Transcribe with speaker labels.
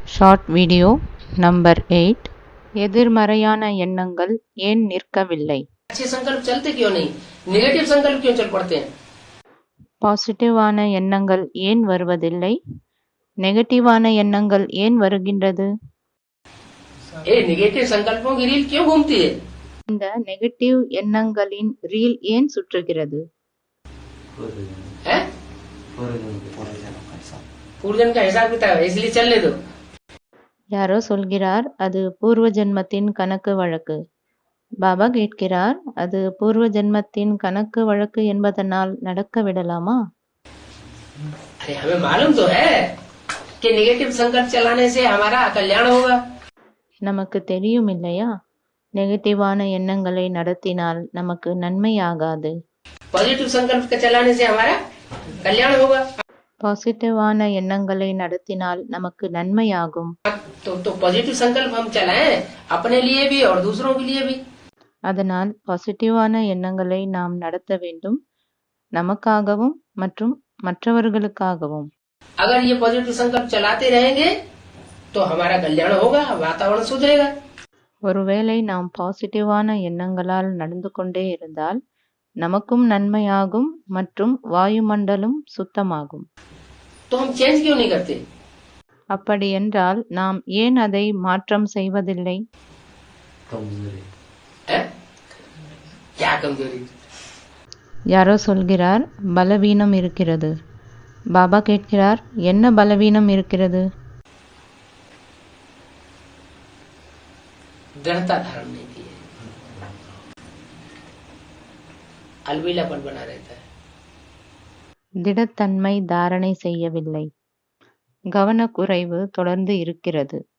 Speaker 1: Short video number 8 எதிர்மறையான எண்ணங்கள் ஏன் நிற்கவில்லை?
Speaker 2: अच्छे संकल्प चलते क्यों नहीं? नेगेटिव संकल्प क्यों चल पड़ते हैं?
Speaker 1: பாசிட்டிவான எண்ணங்கள் ஏன் வருவதில்லை? நெகட்டிவான எண்ணங்கள் ஏன் வருகின்றது?
Speaker 2: ये नेगेटिव संकल्पों की रील क्यों घूमती है?
Speaker 1: இந்த நெகட்டிவ் எண்ணங்களின் ரீல் ஏன் சுற்றுகிறது?
Speaker 2: हैं? पूर्वजन्म का हिसाब किताब है, इसलिए चलने दो।
Speaker 1: யாரோ சொல்கிறார் அது பூர்வ ஜென்மத்தின் கணக்கு வழக்கு. பாபா கேட்கிறார் அது பூர்வ ஜென்மத்தின் கணக்கு வழக்கு என்பதனால் நடக்க விடலாமா?
Speaker 2: अरे हमें मालूम तो है कि नेगेटिव संकल्प चलाने से हमारा कल्याण होगा।
Speaker 1: நமக்கு தெரியும் இல்லையா, நெகட்டிவான எண்ணங்களை நடத்தினால் நமக்கு நன்மையாகாது.
Speaker 2: पॉजिटिव संकल्प का चलाने से हमारा कल्याण होगा।
Speaker 1: பாசிட்டிவான எண்ணங்களை நடத்தினால் நமக்கு நன்மையாகும்.
Speaker 2: तो पॉजिटिव संकल्प हम चलाएं अपने लिए भी और दूसरों के लिए भी।
Speaker 1: அதனால் பாசிட்டிவான எண்ணங்களை நாம் நடத்த வேண்டும், நமக்காகவும் மற்றும் மற்றவர்களுக்காகவும்.
Speaker 2: अगर ये पॉजिटिव संकल्प चलाते रहेंगे तो हमारा कल्याण होगा, वातावरण सुधरेगा।
Speaker 1: ஒருவேளை நாம் பாசிட்டிவான எண்ணங்களால் நடந்து கொண்டே இருந்தால் நமக்கும் நன்மையாகும் மற்றும் வாயுமண்டலம் சுத்தமாகும்.
Speaker 2: तो हम चेंज क्यों नहीं करते?
Speaker 1: அப்படி என்றால் நாம் ஏன் அதை மாற்றம் செய்வதில்லை?
Speaker 2: हैं? क्या कमजोरी?
Speaker 1: யாரோ சொல்கிறார் பலவீனம் இருக்கிறது. பாபா கேட்கிறார் என்ன பலவீனம் இருக்கிறது?
Speaker 2: दृढ़ता धारण नहीं की है, अलबीलापन बना रहता है।
Speaker 1: திடத்தன்மை தாரணை செய்யவில்லை. கவனக்குறைவு தொடர்ந்து இருக்கிறது.